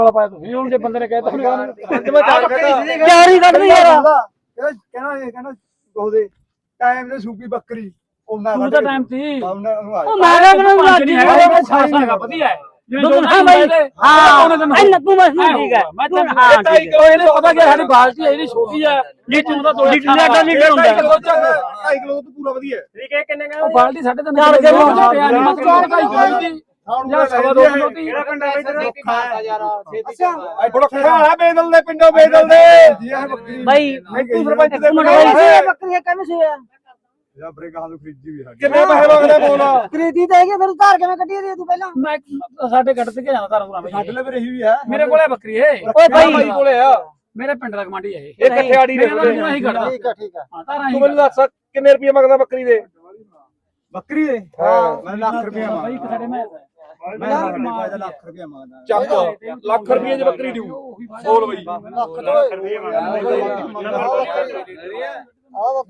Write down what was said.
ਵਾਲਾ ਪਾਇਆ ਤੁਸੀਂ ਹੁਣ ਜੇ ਬੰਦੇ ਨੇ ਕਹਿਤਾ ਹੁਣ ਚਾਰ ਹੀ ਕੱਢਦੀ ਯਾਰ ਕਹਿੰਦਾ ਉਹਦੇ ਟਾਈਮ ਨੇ ਸੂਪੀ ਬੱਕਰੀ ਉਹਨਾਂ ਤੂੰ ਤਾਂ ਟਾਈਮ ਸੀ ਉਹ ਮੈਂ ਕਿਹਾ ਮੈਨੂੰ ਨਹੀਂ ਹੈਗਾ ਸਾਰਾ ਹੈਗਾ ਵਧੀਆ ਦੁੱਧ ਹਾਂ ਬਾਈ ਹਾਂ ਇਹ ਨੱਪੂ ਮਸ ਠੀਕ ਹੈ ਮੈਂ ਤਾਂ ਇਹਨੇ ਪਤਾ ਕਿ ਸਾਡੀ ਬਾਲਟੀ ਹੈ ਜਿਹੜੀ ਛੋਟੀ ਹੈ ਲੀਟਰ ਦਾ 2 ਲੀਟਰ ਹੁੰਦਾ 2.5 ਕਿਲੋ ਤੋਂ ਪੂਰਾ ਵਧੀਆ ਠੀਕ ਹੈ ਕਿੰਨੇ ਉਹ ਬਾਲਟੀ ਸਾਡੇ ਤਾਂ ਚਾਰ ਕਿਲੋ ਮਤ 4.5 ਕਿਲੋ ਦੀ ਜਾਂ ਸਵਾ 2 ਕਿਲੋ ਦੀ ਕਿਹੜਾ ਪਿੰਡ ਹੈ ਯਾਰ ਬੜਖਾ ਬੇਦਲ ਦੇ ਪਿੰਡੋਂ ਬੇਦਲ ਦੇ ਬਾਈ ਤੂੰ ਸਰਪੰਚ ਦੇ ਬੱਕਰੀਆਂ ਕਹਿੰਦੇ ਸੀ ਜਾਂ ਬਰੇ ਗਾਹ ਨੂੰ ਖਰੀਦੀ ਵੀ ਕਿੰਨੇ ਪੈਸੇ ਮੰਗਦਾ ਬੋਲ ਖਰੀਦੀ ਤਾਂ ਹੈਗੇ ਫਿਰ ਧਾਰ ਕਿਵੇਂ ਕੱਢੀ ਦੀ ਤੂੰ ਪਹਿਲਾਂ ਮੈਂ ਸਾਡੇ ਗੱਡ ਤੇ ਜਾਂਦਾ ਤਾਰਾਂ ਪੂਰਾ ਸਾਡੇ ਲਈ ਵੀ ਰਹੀ ਵੀ ਹੈ ਮੇਰੇ ਕੋਲੇ ਬੱਕਰੀ ਏ ਓਏ ਬਾਈ ਕੋਲੇ ਆ ਮੇਰੇ ਪਿੰਡ ਦਾ ਕਮਾਂਡੀ ਹੈ ਇਹ ਕਠਿਆੜੀ ਦੇ ਕੋਲੇ ਨਹੀਂ ਕੱਢਦਾ ਠੀਕ ਹੈ ਹਾਂ ਤਾਰਾਂ ਹੀ ਤੂੰ ਮੈਨੂੰ ਦੱਸ ਕਿੰਨੇ ਰੁਪਏ ਮੰਗਦਾ ਬੱਕਰੀ ਦੇ ਬੱਕਰੀ ਦੇ ਮੈਂ ਲੱਖ ਰੁਪਏ ਬਾਈ ਮੰਗਦਾ ਸਾਡੇ ਮੈਂ ਮੈਂ ਲੱਖ ਰੁਪਏ ਮੰਗਦਾ ਚੱਕ ਲੱਖ ਰੁਪਏ ਦੀ ਬੱਕਰੀ ਦਿਉ ਬੋਲ ਬਈ ਲੱਖ ਰੁਪਏ ਮੰਗਦਾ